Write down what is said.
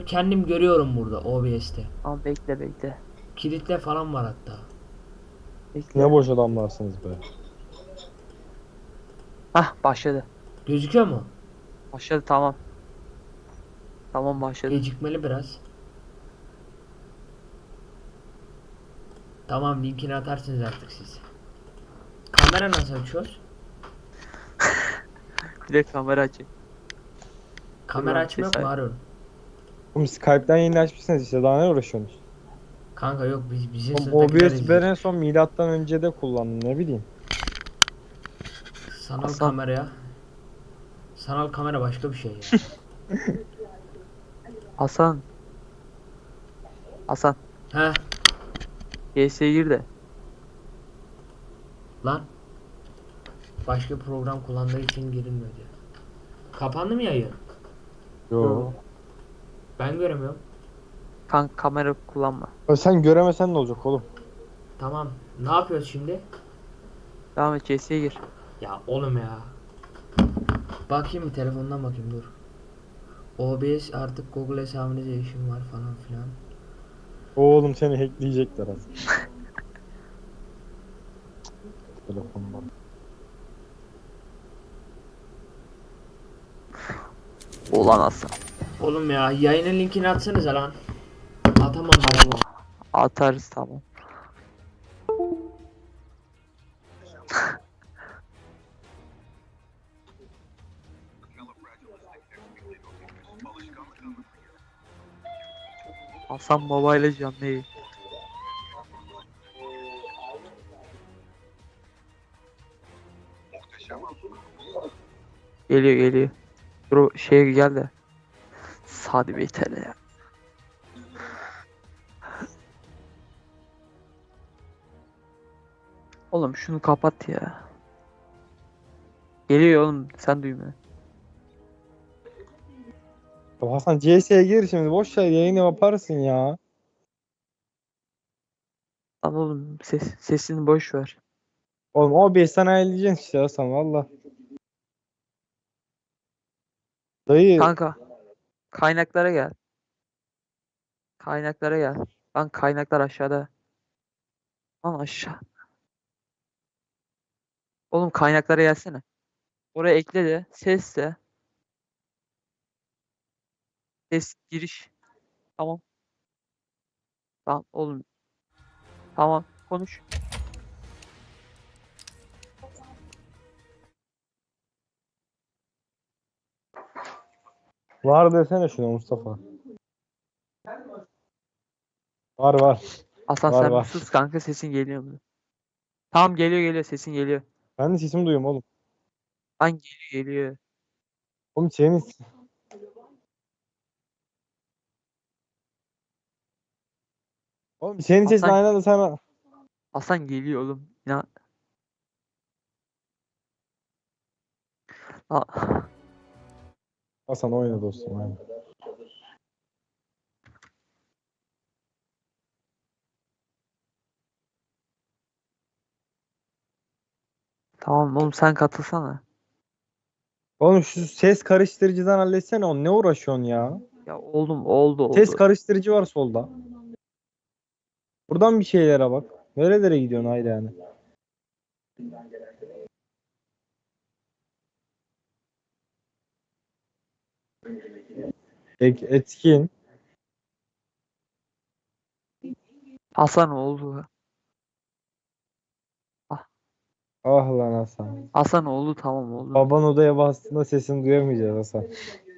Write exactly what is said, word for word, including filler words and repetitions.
kendim görüyorum burada O B S'te. Ama bekle bekle. Kilitle falan var hatta. Bekle. Ne boş adamlarsınız be. Hah başladı. Gözüküyor mu? Başladı tamam. Tamam başladı. Gecikmeli biraz. Tamam, linkini atarsınız artık siz. Kamera nasıl açıyoruz? Bir de kamera açayım. Kamera Tamam, açma yok ses mu aç. Harun? Oğlum Skype'den yeni açmışsınız işte, daha ne uğraşıyorsunuz? Kanka yok, biz bizim Oğlum sınıftakiler O B S'yi ben izliyor. en son milattan önce de kullandım, ne bileyim. Sanal Hasan. kameraya. Sanal kamera başka bir şey ya. Hasan. Hasan. He G S'ye gir de. lan. Başka program kullandığı için girilmiyor diyor. Kapandı mı yayın? Yo. Ben göremiyorum. Kanka kamera kullanma. Ya sen göremesen ne olacak oğlum? Tamam. Ne yapıyoruz şimdi? Devam et G S'ye gir. Ya oğlum ya. Bakayım bir telefondan bakayım dur. O B S artık Google hesabınıza erişim var falan filan. Oğlum seni hackleyecekler az. Telefondan. Ulan Hasan. Oğlum ya, yayının linkini atsanıza lan. Atamam ben. Atarız tamam. Hasan Baba ile canlı yayın. Geliyor geliyor. Dur o şeye gel de. Sadi Bey T L ya. Oğlum şunu kapat ya. Geliyor oğlum sen duymuyor. Ya Hasan C S'ye gir şimdi, boş ver, yayını yaparsın ya. Lan oğlum ses, sesini boş ver. Oğlum O B S'ten ayarlayacaksın işte Hasan, valla. Dayı Kanka kaynaklara gel. Kaynaklara gel. Lan kaynaklar aşağıda. Lan aşağı. Oğlum kaynaklara gelsene. Oraya ekle de ses de. Ses giriş. Tamam. Tamam oğlum. Tamam konuş. var desene şuna Mustafa. Var var. Hasan Var sen bir var. sus kanka sesin geliyor mu? Tamam geliyor geliyor sesin geliyor. Ben de sesimi duyuyorum oğlum. Lan geliyor geliyor. Oğlum senin Oğlum senin sesin Hasan aynı anda sana. Hasan geliyor oğlum. Ya. Ha- Hasan oyna dostum, oyna. Tamam oğlum sen katılsana. Oğlum şu ses karıştırıcıdan halletsene, onu ne uğraşıyorsun ya? Ya oğlum oldu Ses oldu. karıştırıcı var solda. Buradan bir şeylere bak. Nerelere gidiyorsun haydi yani? Ek, etkin. Hasan oldu. Ah, Ah lan Hasan. Hasan oldu tamam oldu. Baban odaya bastığında sesini duyamayacağız Hasan.